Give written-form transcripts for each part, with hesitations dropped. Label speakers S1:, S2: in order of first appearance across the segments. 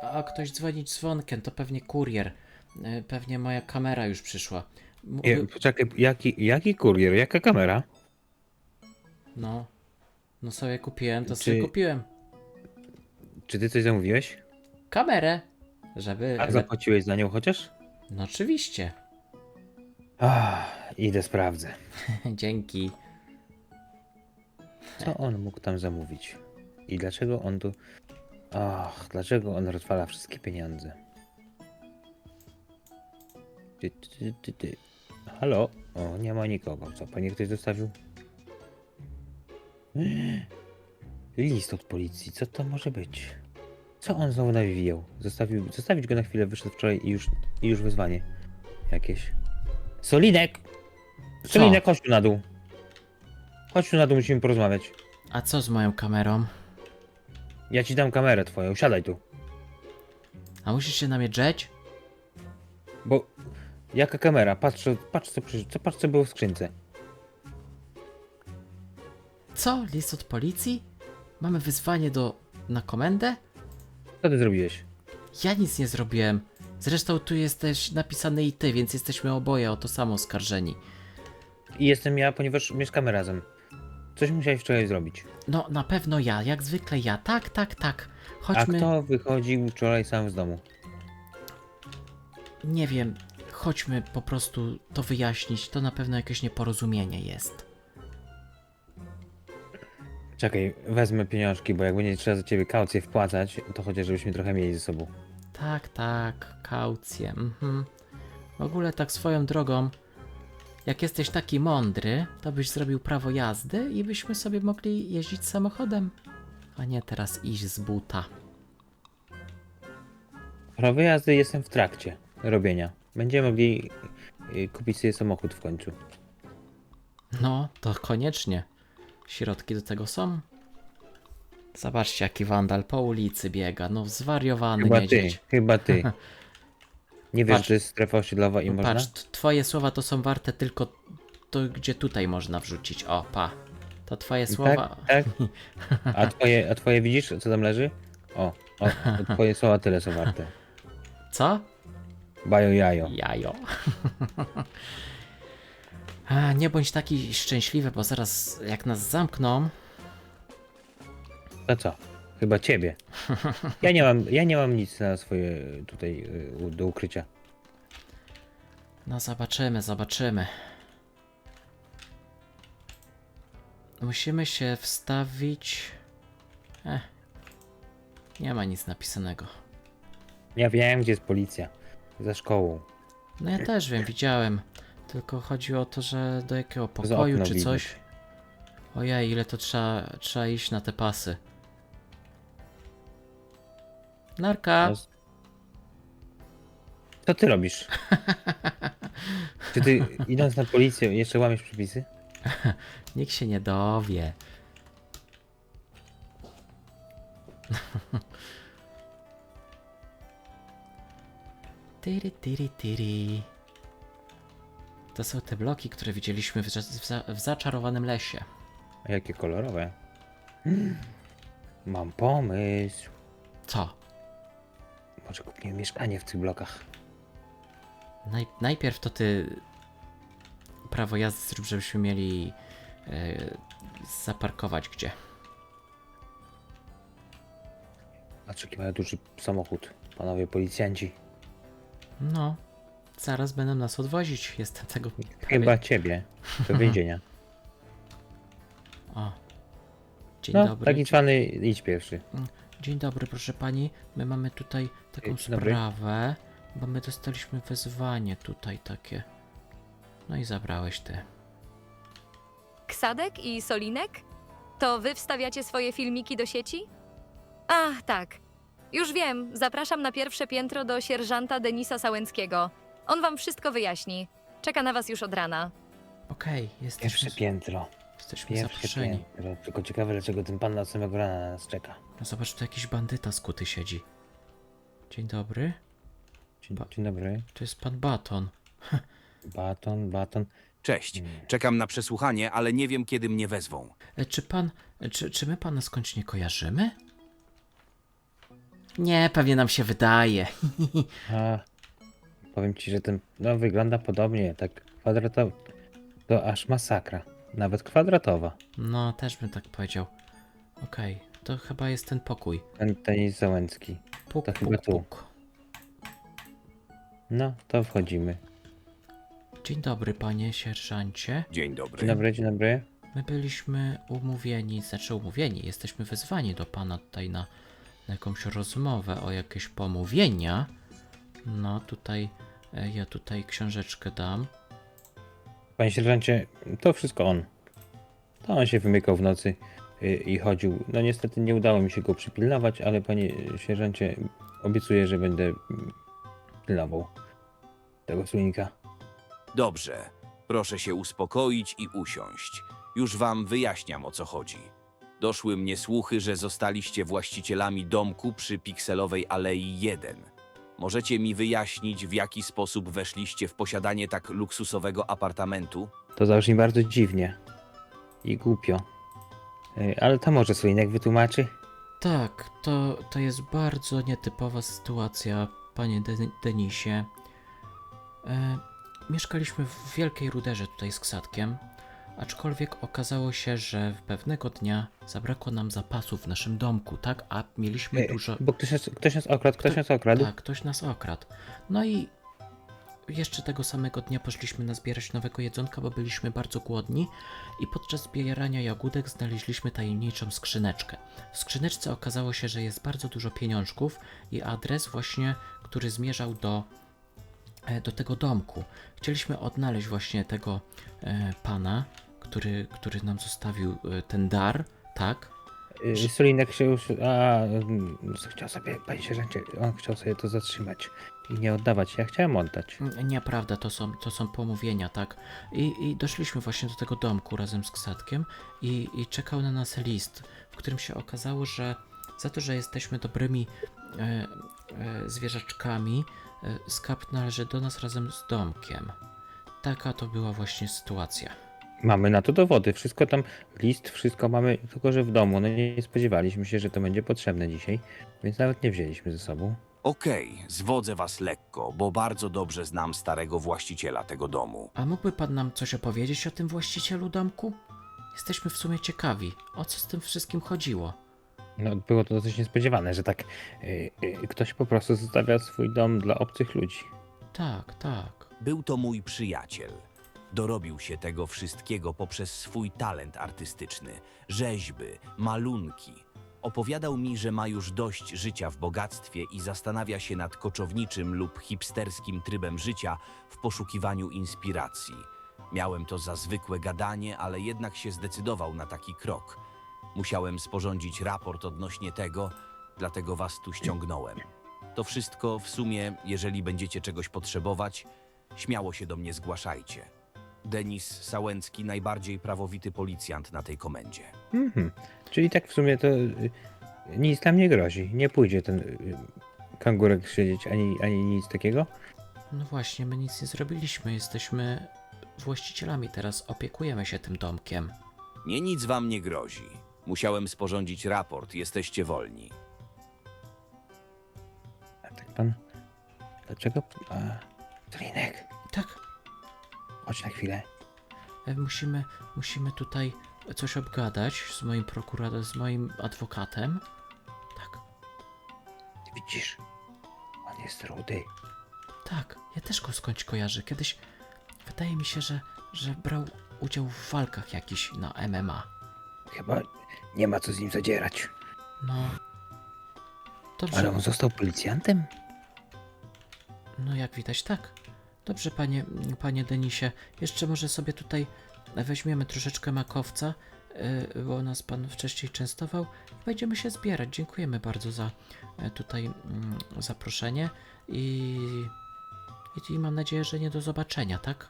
S1: A ktoś dzwoni dzwonkiem, to pewnie kurier. Pewnie moja kamera już przyszła.
S2: Poczekaj, jaki kurier? Jaka kamera?
S1: No, no sobie kupiłem, to sobie
S2: Czy,
S1: kupiłem.
S2: czy ty coś zamówiłeś?
S1: Kamerę, żeby...
S2: A zapłaciłeś za nią chociaż?
S1: No oczywiście.
S2: Idę sprawdzę.
S1: Dzięki.
S2: Co on mógł tam zamówić? I dlaczego on tu... dlaczego on rozwala wszystkie pieniądze? Ty. Halo? O, nie ma nikogo. Co, pewnie ktoś zostawił? List od policji. Co to może być? Co on znowu nawijał? Zostawić go na chwilę, wyszedł wczoraj i już wezwanie. Jakieś. Solinek! Solinek, chodź tu na dół. Chodź tu na dół, musimy porozmawiać.
S1: A co z moją kamerą?
S2: Ja ci dam kamerę twoją, siadaj tu.
S1: A musisz się na mnie drzeć?
S2: Bo... Jaka kamera? Patrz co było w skrzynce.
S1: Co? List od policji? Mamy wyzwanie na komendę?
S2: Co ty zrobiłeś?
S1: Ja nic nie zrobiłem. Zresztą tu jest też napisane i ty, więc jesteśmy oboje o to samo oskarżeni.
S2: I jestem ja, ponieważ mieszkamy razem. Coś musiałeś wczoraj zrobić.
S1: No, na pewno ja, jak zwykle ja. Tak.
S2: A
S1: Chodźmy.
S2: kto wychodził wczoraj sam z domu?
S1: Nie wiem, chodźmy po prostu to wyjaśnić. To na pewno jakieś nieporozumienie jest.
S2: Czekaj, wezmę pieniążki, bo jak będzie trzeba za ciebie kaucję wpłacać, to chociaż żebyśmy trochę mieli ze sobą.
S1: Tak, kaucję. W ogóle tak swoją drogą, jak jesteś taki mądry, to byś zrobił prawo jazdy i byśmy sobie mogli jeździć samochodem, a nie teraz iść z buta.
S2: Prawo jazdy jestem w trakcie robienia. Będziemy mogli kupić sobie samochód w końcu.
S1: No, to koniecznie. Środki do tego są. Zobaczcie, jaki wandal po ulicy biega. No, zwariowany niedźwiedź.
S2: Chyba ty. Nie wiesz,
S1: Patrz.
S2: że jest strefa osiedlowa i można?
S1: Patrz, twoje słowa to są warte tylko to, gdzie tutaj można wrzucić. O, pa. To twoje słowa.
S2: Tak? A twoje widzisz, co tam leży? O, twoje słowa tyle są warte.
S1: Co?
S2: Bajo jajo.
S1: Jajo. A, nie bądź taki szczęśliwy, bo zaraz jak nas zamkną.
S2: To co? Chyba ciebie. Ja nie mam nic na swoje tutaj do ukrycia.
S1: No zobaczymy. Musimy się wstawić. Nie ma nic napisanego.
S2: Ja wiem, gdzie jest policja. Za szkołą.
S1: No ja też wiem, widziałem. Tylko chodzi o to, że do jakiego
S2: Przez
S1: pokoju
S2: okno
S1: czy
S2: widać.
S1: coś. Ojej, ile to trzeba iść na te pasy. Narka.
S2: Co ty robisz? Czy ty idąc na policję jeszcze łamiesz przepisy?
S1: Nikt się nie dowie. Tyry. To są te bloki, które widzieliśmy w zaczarowanym lesie.
S2: A jakie kolorowe? Mam pomysł.
S1: Co?
S2: Może kupimy mieszkanie w tych blokach.
S1: Najpierw to ty prawo jazdy zrób, żebyśmy mieli zaparkować gdzie.
S2: Patrz, jaki mają duży samochód. Panowie policjanci.
S1: No, zaraz będą nas odwozić. Jestem tego
S2: Chyba ciebie. Do więzienia.
S1: O. Dzień
S2: No,
S1: dobry.
S2: taki cwany, idź pierwszy.
S1: Dzień dobry, proszę pani. My mamy tutaj taką
S2: Dzień dobry.
S1: sprawę, bo my dostaliśmy wezwanie tutaj takie. No i zabrałeś ty.
S3: Ksadek i Solinek? To wy wstawiacie swoje filmiki do sieci? Ach, tak. Już wiem, zapraszam na pierwsze piętro do sierżanta Denisa Sałęckiego. On wam wszystko wyjaśni. Czeka na was już od rana.
S1: Okej,
S2: Pierwsze piętro.
S1: jesteśmy
S2: Pierwsze
S1: zaproszeni.
S2: piętro. Tylko ciekawe, dlaczego ten pan na samego rana na nas czeka.
S1: No zobacz, tu jakiś bandyta skuty siedzi. Dzień dobry.
S2: Dzień dobry.
S1: To jest pan Baton.
S2: Baton.
S4: Cześć. Czekam na przesłuchanie, ale nie wiem, kiedy mnie wezwą.
S1: Czy my pana skądś nie kojarzymy? Nie, pewnie nam się wydaje.
S2: A, powiem ci, że ten, no wygląda podobnie, tak kwadratowo. To aż masakra. Nawet kwadratowa.
S1: No, też bym tak powiedział. Okej, to chyba jest ten pokój.
S2: Denis Załęcki.
S1: Puk,
S2: To chyba
S1: puk,
S2: tu.
S1: puk.
S2: No, to wchodzimy.
S1: Dzień dobry, panie sierżancie.
S4: Dzień dobry.
S2: Dzień dobry, dzień dobry.
S1: My byliśmy umówieni, jesteśmy wezwani do pana tutaj na jakąś rozmowę o jakieś pomówienia. No, tutaj, ja tutaj książeczkę dam.
S2: Panie sierżancie, to wszystko on. To on się wymykał w nocy i chodził. No niestety nie udało mi się go przypilnować, ale panie sierżancie, obiecuję, że będę pilnował tego słonika.
S4: Dobrze. Proszę się uspokoić i usiąść. Już wam wyjaśniam, o co chodzi. Doszły mnie słuchy, że zostaliście właścicielami domku przy Pikselowej Alei 1. Możecie mi wyjaśnić, w jaki sposób weszliście w posiadanie tak luksusowego apartamentu?
S2: To zabrzmi bardzo dziwnie i głupio. Ale to może słoinek wytłumaczy?
S1: Tak, to jest bardzo nietypowa sytuacja, panie Denisie. Mieszkaliśmy w Wielkiej Ruderze tutaj z Ksatkiem, aczkolwiek okazało się, że pewnego dnia zabrakło nam zapasów w naszym domku, tak? A mieliśmy dużo...
S2: Bo ktoś nas okradł, ktoś nas okradł.
S1: Tak, ktoś nas okradł. No i jeszcze tego samego dnia poszliśmy nazbierać nowego jedzonka, bo byliśmy bardzo głodni i podczas zbierania jagódek znaleźliśmy tajemniczą skrzyneczkę. W skrzyneczce okazało się, że jest bardzo dużo pieniążków i adres właśnie, który zmierzał do tego domku. Chcieliśmy odnaleźć właśnie tego pana, który nam zostawił ten dar, tak?
S2: Solinek się już. Chciał sobie, panie sierżancie, on chciał sobie to zatrzymać i nie oddawać. Ja chciałem oddać.
S1: Nieprawda, to są pomówienia, tak? I doszliśmy właśnie do tego domku razem z Ksatkiem i czekał na nas list, w którym się okazało, że za to, że jesteśmy dobrymi zwierzaczkami, skarb należy do nas razem z domkiem. Taka to była właśnie sytuacja.
S2: Mamy na to dowody, wszystko tam, list, wszystko mamy, tylko że w domu. No nie spodziewaliśmy się, że to będzie potrzebne dzisiaj, więc nawet nie wzięliśmy ze sobą.
S4: Okej, zwodzę was lekko, bo bardzo dobrze znam starego właściciela tego domu.
S1: A mógłby pan nam coś opowiedzieć o tym właścicielu domku? Jesteśmy w sumie ciekawi, o co z tym wszystkim chodziło.
S2: No było to dosyć niespodziewane, że tak ktoś po prostu zostawia swój dom dla obcych ludzi.
S1: Tak, tak.
S4: Był to mój przyjaciel. Dorobił się tego wszystkiego poprzez swój talent artystyczny, rzeźby, malunki. Opowiadał mi, że ma już dość życia w bogactwie i zastanawia się nad koczowniczym lub hipsterskim trybem życia w poszukiwaniu inspiracji. Miałem to za zwykłe gadanie, ale jednak się zdecydował na taki krok. Musiałem sporządzić raport odnośnie tego, dlatego was tu ściągnąłem. To wszystko w sumie, jeżeli będziecie czegoś potrzebować, śmiało się do mnie zgłaszajcie. Denis Sałęcki, najbardziej prawowity policjant na tej komendzie.
S2: Czyli tak w sumie to nic nam nie grozi. Nie pójdzie ten kangurek siedzieć ani nic takiego.
S1: No właśnie, my nic nie zrobiliśmy, jesteśmy właścicielami teraz, opiekujemy się tym domkiem.
S4: Nic wam nie grozi. Musiałem sporządzić raport, jesteście wolni.
S2: A tak pan. Dlaczego? Solinek,
S1: Tak,
S2: chodź na chwilę.
S1: musimy tutaj coś obgadać z moim prokuratorem, z moim adwokatem. Tak,
S2: Widzisz? On jest rudy.
S1: tak, ja też go skądś kojarzę. Kiedyś wydaje mi się, że brał udział w walkach jakichś na MMA.
S2: Chyba nie ma co z nim zadzierać.
S1: No. Dobrze.
S2: Ale on został policjantem?
S1: No jak widać, tak. Dobrze, panie Denisie. Jeszcze może sobie tutaj weźmiemy troszeczkę makowca, bo nas pan wcześniej częstował i będziemy się zbierać. Dziękujemy bardzo za tutaj zaproszenie i mam nadzieję, że nie do zobaczenia, tak?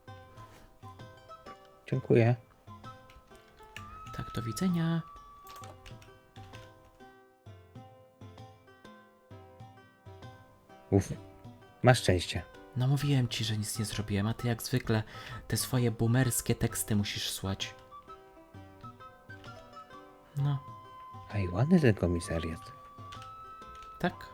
S2: Dziękuję.
S1: Tak, do widzenia.
S2: Uf, masz szczęście.
S1: No mówiłem ci, że nic nie zrobiłem, a ty jak zwykle te swoje boomerskie teksty musisz słać. No,
S2: A i ładny ten komisariat.
S1: Tak?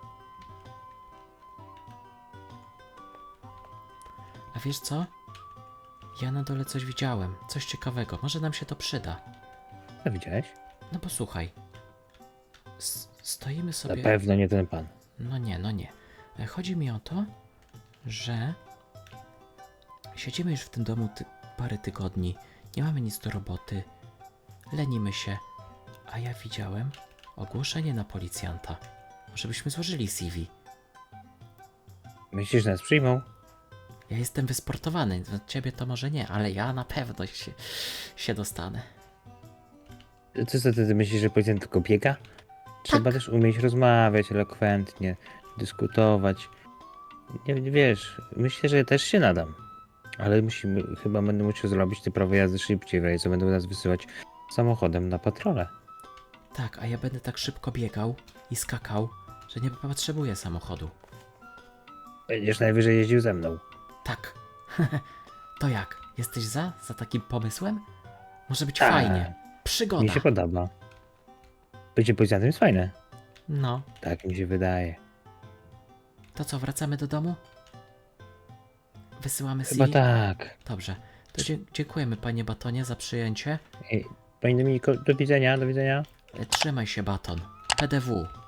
S1: A wiesz co? Ja na dole coś widziałem, coś ciekawego. Może nam się to przyda.
S2: Co widziałeś?
S1: No posłuchaj. Stoimy
S2: Na
S1: sobie...
S2: pewno nie ten pan.
S1: No nie, no nie. Chodzi mi o to, że siedzimy już w tym domu parę tygodni, nie mamy nic do roboty, lenimy się, a ja widziałem ogłoszenie na policjanta. Może byśmy złożyli CV.
S2: Myślisz, że nas przyjmą?
S1: Ja jestem wysportowany, ciebie to może nie, ale ja na pewno się dostanę.
S2: Co ty myślisz, że policjant tylko biega? Trzeba też umieć rozmawiać elokwentnie, dyskutować. Nie wiesz, myślę, że też się nadam. Ale chyba będę musiał zrobić te prawo jazdy szybciej, w razie co będą nas wysyłać samochodem na patrolę.
S1: Tak, a ja będę tak szybko biegał i skakał, że nie potrzebuję samochodu.
S2: Będziesz najwyżej jeździł ze mną.
S1: Tak. To jak? Jesteś za takim pomysłem? Może być
S2: Tak.
S1: fajnie. Przygoda.
S2: Mi się podoba. Bycie policjantem jest fajne.
S1: No,
S2: Tak mi się wydaje.
S1: to co, wracamy do domu? Wysyłamy
S2: Chyba
S1: CV?
S2: tak.
S1: Dobrze. To dziękujemy, panie Batonie, za przyjęcie.
S2: Panie Dominiko, do widzenia, do widzenia.
S1: Trzymaj się, Baton. PDW.